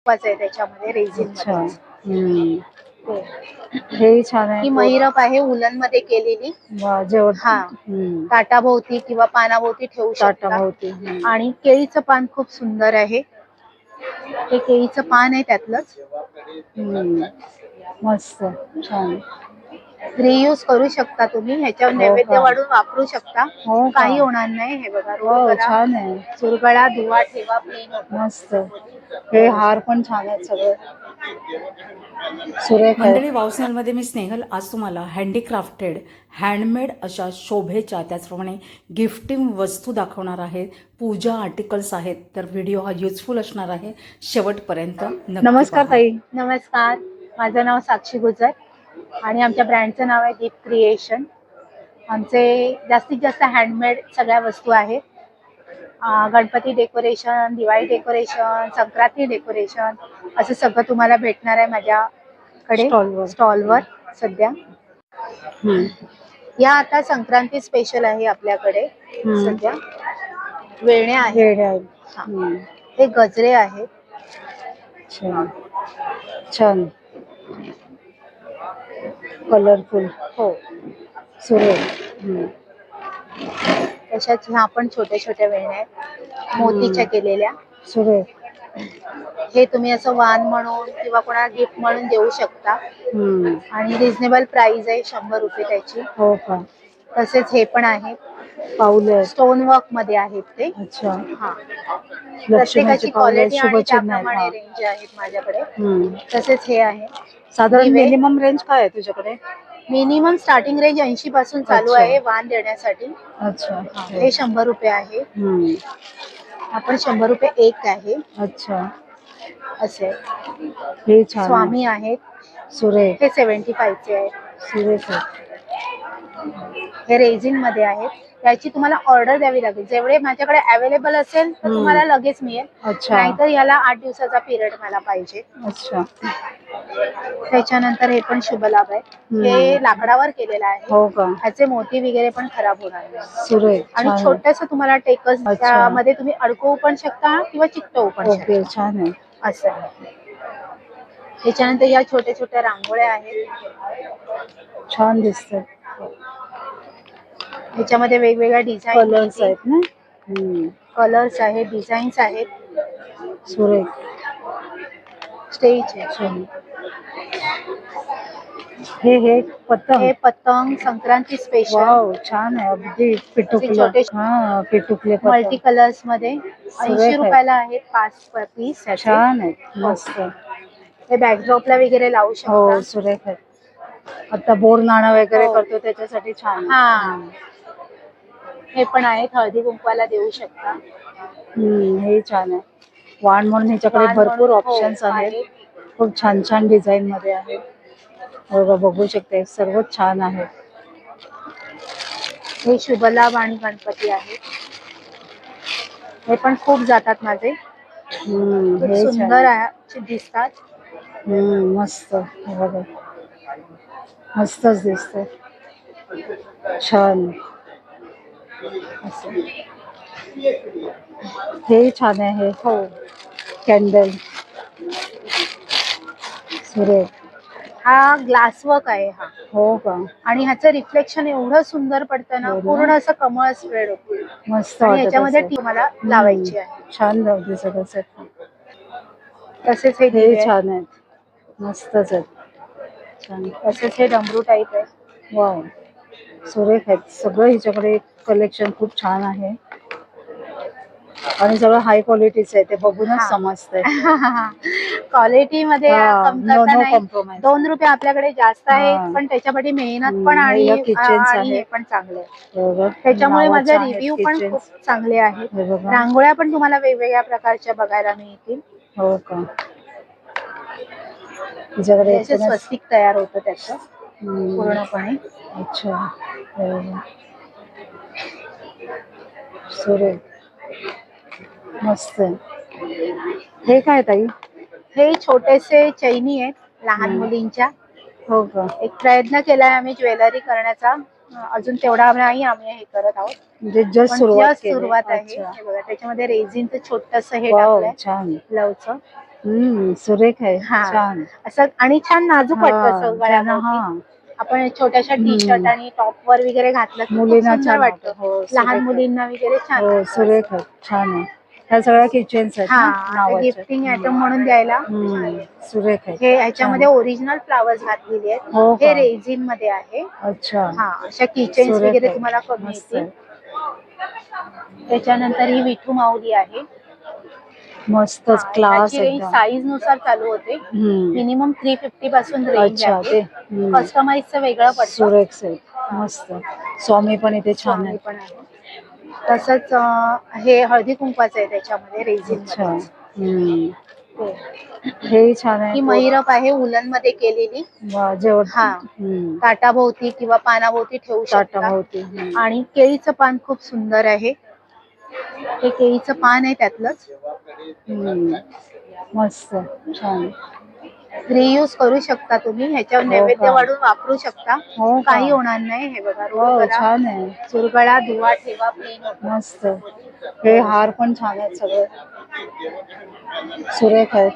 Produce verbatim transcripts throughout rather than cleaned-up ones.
आहे त्याच्यामध्ये रेझिन अच्छा. मध्ये. हम्म. हे छान आहे. ही महिरप आहे उलन मध्ये केलेली. वा जेवण. हा हम्म. ताटाभोवती किंवा पानाभोवती ठेवू शकता. ताटाभोवती. आणि केळीचं पान खूप सुंदर आहे. हे केळीचं पान आहे त्यातलंच. हम्म. मस्त छान. रियूज करू शकता तुम्ही. ह्याच्यावर नैवेद्य वाढून वापरू शकता. काही होणार नाही. हे बघा रोल करा. छान आहे. चुरगळा धुवा ठेवा प्लेन. मस्त. हे हार पण छान आहेत सगळे. सुरेख मंडळी वाव स्नेहलमध्ये मी स्नेहल आज तुम्हाला हँडीक्राफ्टेड हँडमेड अशा शोभेच्या त्याचप्रमाणे गिफ्टिंग वस्तू दाखवणार आहे. पूजा आर्टिकल्स आहेत. तर व्हिडिओ हा युजफुल असणार आहे. शेवटपर्यंत नक्की नमस्कार पहा. ताई. नमस्कार. माझं नाव साक्षी गुजर आणि आमच्या ब्रँडचं नाव आहे दीप क्रिएशन. आमचे जास्तीत जास्त हँडमेड सगळ्या वस्तू आहेत. Ganpati decoration, Diwali decoration, Sankranti decoration असं सगळं तुम्हाला भेटणार आहे माझ्याकडे स्टॉलवर. स्टॉलवर सध्या. या आता संक्रांती स्पेशल आहे आपल्याकडे सध्या. वेण्या आहेत. हे गजरे आहेत. छान छान कलरफुल. हो सुरेख. तशाच ह्या पण छोट्या छोट्या वेण्या आहेत मोतीच्या केलेल्या. सुरेख. हे तुम्ही असं वाण म्हणून किंवा कोणाला गिफ्ट म्हणून देऊ शकता. आणि रिझनेबल प्राइस आहे शंभर रुपये त्याची. हो का. तसेच हे पण आहे पाऊले स्टोन वर्क मध्ये आहेत ते. अच्छा. हा लक्ष्मीची प्रत्येकाची क्वालिटी आणि शुभचिन्ह आहेत. त्याप्रमाणे रेंज आहेत माझ्याकडे. हम्म. तसेच हे आहे. साधारण मिनिमम रेंज काय आहे तुझ्याकडे? मिनिमम स्टार्टिंग रेंज ऐंशी पासून चालू आहे वाण देण्यासाठी. अच्छा. हे शंभर रुपये आहे. आपण शंभर रुपये एक आहे. अच्छा. असे हे छान स्वामी आहेत. सुरेख. हे सेव्हन्टी फाईव्ह चे आहेत. सुरेख. हे रेझिन मध्ये आहेत. याची तुम्हाला ऑर्डर द्यावी लागेल. जेवढे माझ्याकडे अवेलेबल असेल तर तुम्हाला लगेच मिळेल. नाहीतर याला आठ दिवसाचा पिरियड मला पाहिजे. अच्छा. त्याच्यानंतर हे पण शुभ लाभ आहे. हे लाकडावर केलेलं आहे. हो का. ह्याचे मोती वगैरे पण खराब होणार नाही. सुरेख. आणि छोटस तुम्हाला टेकस त्यामध्ये तुम्ही अडकवू पण शकता किंवा चिकटवू पण शकता. छान आहे. असं आहे. त्याच्यानंतर या छोट्या छोट्या रांगोळ्या आहेत. छान दिसतात. ह्याच्यामध्ये वेगवेगळ्या डिझाईन कलर्स आहेत ना. कलर्स आहेत, डिझाईन्स आहेत. सुरेख. स्टेज आहे. हे हे पतंग. हे पतंग संक्रांती स्पेशल. वाव छान आहे. अगदी पिटुकले. हा पिटुकले मल्टी कलर्स मध्ये ऐंशी रुपयाला आहेत पाच पीस. छान आहे. मस्त. हे बॅकड्रॉपला वगैरे लावू शकता. हो सुरेख आहे. आता बोर नाणं वगैरे करतो त्याच्यासाठी छान. हा हे पण आहेत हळदी कुंकवाला देऊ शकता. हम्म. हे छान आहे. वाण म्हणून ह्याच्याकडे भरपूर ऑप्शन्स आहेत. खूप छान छान डिझाईन मध्ये आहे. बघू शकते सर्वच छान आहे. हे शुभलाभ आणि गणपती आहेत. हे पण खूप जातात माझे. हे सुंदर आहे दिसतात. हम्म. मस्त. बघा मस्तच दिसतंय. छान. हे छान आहे. हो कॅन्डल. सुरेख. हा ग्लास वर्क आहे. हा हो का. आणि ह्याचं रिफ्लेक्शन एवढं सुंदर पडतं ना. पूर्ण असं कमळ स्प्रेड होतं. मस्त. याच्यामध्ये तुम्हाला लावायची आहे. छान दिसत असेल. तसेच हे हे छान आहेत. मस्तच आहेत. छान. तसेच हे डमरू टाईप आहे. वाव सुरेख आहेत. सगळं हिच्याकडे कलेक्शन खूप छान आहे. आणि सगळं हाय क्वालिटीचं आहे. ते बघूनच समजतंय. क्वालिटी मध्ये कमतरता नाही. दोन रुपये आपल्याकडे जास्त आहे पण त्याच्यामध्ये मेहनत पण आणि हे पण चांगले. त्याच्यामुळे माझे रिव्ह्यू पण खूप चांगले आहेत. रांगोळ्या पण तुम्हाला वेगवेगळ्या प्रकारच्या बघायला मिळतील. हो का. तुझ्याकडे स्वस्तिक तयार होतं त्याचं पूर्णपणे. अच्छा. सुरेख. मस्त. हे काय ताई? हे छोटेसे चैनी आहेत लहान मुलींच्या. हो का. एक प्रयत्न केलाय आम्ही ज्वेलरी करण्याचा. अजून तेवढा नाही आम्ही हे करत आहोत. म्हणजे जस्ट सुरुवात सुरुवात आहे. हे बघा त्याच्यामध्ये रेझिनचं छोटस हे टाकलंय. छान. लवचं हम्म सुरेख आहे हा. छान. असं आणि छान नाजूक वाटतं हा, असं त्यांना गळ्याभोवती. हा आपण छोट्याशा टी शर्ट हम्म. आणि टॉप वर वगैरे घातलं की खूप मुलींना सुंदर छान वाटतं. वाटतं. हो, लहान सुरेख आहे. मुलींना वगैरे छान हो वाटतं. सुरेख आहे छान आहे. ह्या सगळ्या किचन्स आहेत हा ना नावाच्या. गिफ्टिंग आयटम म्हणून द्यायला हम्म, सुरेख आहे हे ह्याच्यामध्ये छान. ओरिजिनल फ्लावर्स घातलेले आहेत. हो हे का? रेझिन मध्ये आहे. अच्छा हा अशा किचन्स सुरेख वगैरे आहे. तुम्हाला कमी मस्त येतील. आहे. त्याच्यानंतर ही विठू माऊली आहे. मस्तच क्लास रेंज एकदम. साईज नुसार चालू होते. हम्म. मिनिमम थ्री फिफ्टी पासून रेंज अच्छा आहे. ते हम्म. कस्टमाइजचं वेगळं पडतं. सुरेख सेट मस्त. स्वामी पण इथे छान स्वामी आहे. पण आहे. तसंच अं, हे हळदी कुंकवाचं आहे त्याच्यामध्ये रेझिन अच्छा मध्ये. हम्म. हे छान आहे. ही महिरप आहे उलन मध्ये केलेली. वा, जेवण हा. हम्म. ताटाभोवती किंवा पानाभोवती ठेवू शकता. ताटाभोवती हम्म. आणि केळीचं पान खूप सुंदर आहे. हे केळीचं पान आहे त्यातलंच. हम्म. मस्त छान. रियूज करू शकता तुम्ही. ह्याच्यावर हो नैवेद्य का? वाढून वापरू शकता. हो का? काही होणार नाही. हे बघा हो रोल करा, छान आहे. चुरगळा, धुवा, ठेवा, प्लेन होतं. मस्त. हे हार पण छान आहेत सगळे सुरेख आहेत.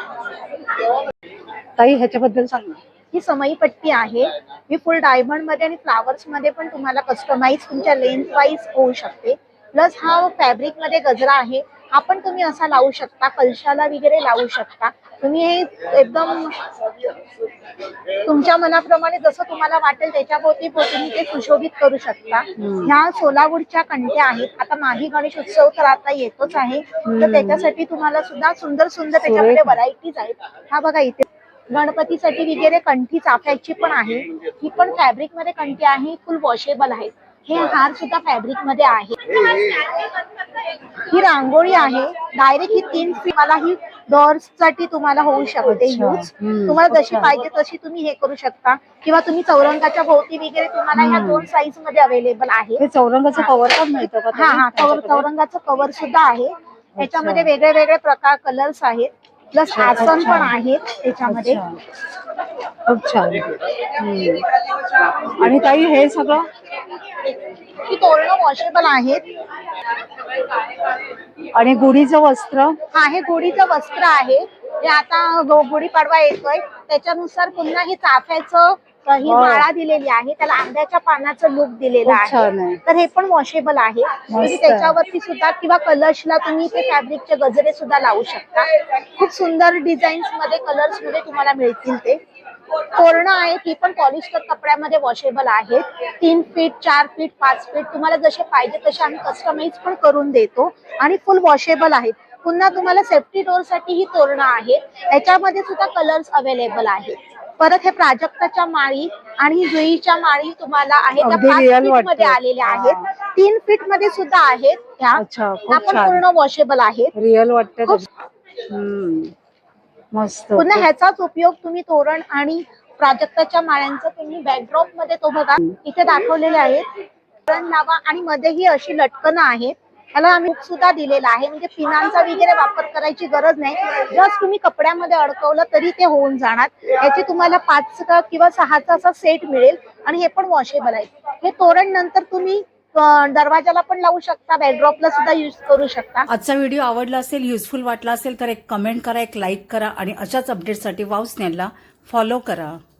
ताई ह्याच्याबद्दल सांग ना. ही समई पट्टी आहे. ही फुल डायमंड मध्ये आणि फ्लावर्स मध्ये पण तुम्हाला कस्टमाइज तुमच्या लेंथ वाईज होऊ शकते. प्लस हा फॅब्रिक मध्ये गजरा आहे. हा पण तुम्ही असा लावू शकता. कलशाला वगैरे लावू शकता. तुम्ही हे एकदम तुमच्या मनाप्रमाणे जसं तुम्हाला वाटेल त्याच्याभोवती तुम्ही ते सुशोभित करू शकता. हम्म. ह्या सोलावूडच्या कंट्या आहेत. आता माही गणेश उत्सव तर आता येतोच आहे. हम्म. तर त्याच्यासाठी तुम्हाला सुद्धा सुंदर सुंदर त्याच्यामध्ये सुरेख. व्हरायटीज आहेत. हा बघा इथे गणपतीसाठी वगैरे कंठी चाफ्याची पण आहे. ही पण फॅब्रिक मध्ये कंठी आहे. फुल वॉशेबल आहे. हे हार सुद्धा फॅब्रिक मध्ये आहे. ही रांगोळी आहे. डायरेक्ट ही तीन फीट मला ही डोअर्स साठी तुम्हाला होऊ शकते अच्छा. यूज. हम्म. तुम्हाला जशी अच्छा. पाहिजे तशी तुम्ही हे करू शकता. किंवा तुम्ही चौरंगाच्या भोवती वगैरे तुम्हाला ह्या हम्म. दोन साईज मध्ये अवेलेबल आहे. हे चौरंगाचं कव्हर पण मिळतं का हा हा ताई? चौर- चौरंगाचं कव्हर सुद्धा आहे. त्याच्यामध्ये वेगळे वेगळे प्रकार कलर्स आहेत. प्लस अच्छा, आसन अच्छा. पण आहेत त्याच्यामध्ये. अच्छा. खूप छान. हम्म. आणि ताई हे सगळं ही तोरणं वॉशेबल आहेत. आणि गुढीचं वस्त्र हा हे गुढीचं वस्त्र आहे. हे आता गो- गुढीपाडवा येतोय त्याच्यानुसार पुन्हा ही चाफ्याचं अ, ही वा. माळा दिलेली आहे. त्याला आंब्याच्या पानाचं लुक दिलेलं खूप छान आहे. आहे. तर हे पण वॉशेबल आहे. तुम्ही मस्त. त्याच्यावरती सुद्धा किंवा कलर्सला तुम्ही ते फॅब्रिकचे गजरे सुद्धा लावू शकता. खूप सुंदर डिझाईन्स मध्ये कलर्स मध्ये तुम्हाला मिळतील ते. तोरणं आहेत. ही पण पॉलिस्टर कपड्यामध्ये वॉशेबल आहेत. तीन फीट चार फीट पाच फीट तुम्हाला जसे पाहिजे तसे आम्ही कस्टमाइज पण करून देतो. आणि फुल वॉशेबल आहेत. पुन्हा तुम्हाला सेफ्टी डोअर साठी ही तोरणं आहेत. त्याच्यामध्ये सुद्धा कलर्स अवेलेबल आहेत. परत हे प्राजक्ताच्या माळी आणि जुईच्या माळी तुम्हाला आहेत त्या अगदी पाच real फीट मध्ये वाटतं. आलेल्या आहेत. तीन फीट मध्ये सुद्धा आहेत ह्या. अच्छा, खूप त्या पण छान. पूर्ण वॉशेबल आहेत. रिअल वाटतं खूप- ते. हम्म. मस्त. पुन्हा ह्याचाच उपयोग तुम्ही तोरण आणि प्राजक्ताच्या माळ्यांचा तुम्ही बॅकड्रॉप मध्ये तो बघा इथे दाखवलेले आहेत. तोरण लावा आणि मध्येही अशी लटकणं आहेत. त्याला आम्ही हुक सुद्धा दिलेला आहे. म्हणजे पिनांचा वगैरे वापर करायची गरज नाही. जस्ट तुम्ही कपड्यामध्ये अडकवलं तरी ते होऊन जाणार. याची तुम्हाला पाच का किंवा सहाचा असा सेट मिळेल. आणि हे पण वॉशेबल आहे. हे तोरण नंतर तुम्ही अ, दरवाजाला पण लावू शकता. बॅकड्रॉपला सुद्धा युज करू शकता. आजचा व्हिडिओ आवडला असेल, युजफुल वाटला असेल तर एक कमेंट करा, एक लाईक करा आणि अशाच अपडेटसाठी वाव स्नेहलला फॉलो करा.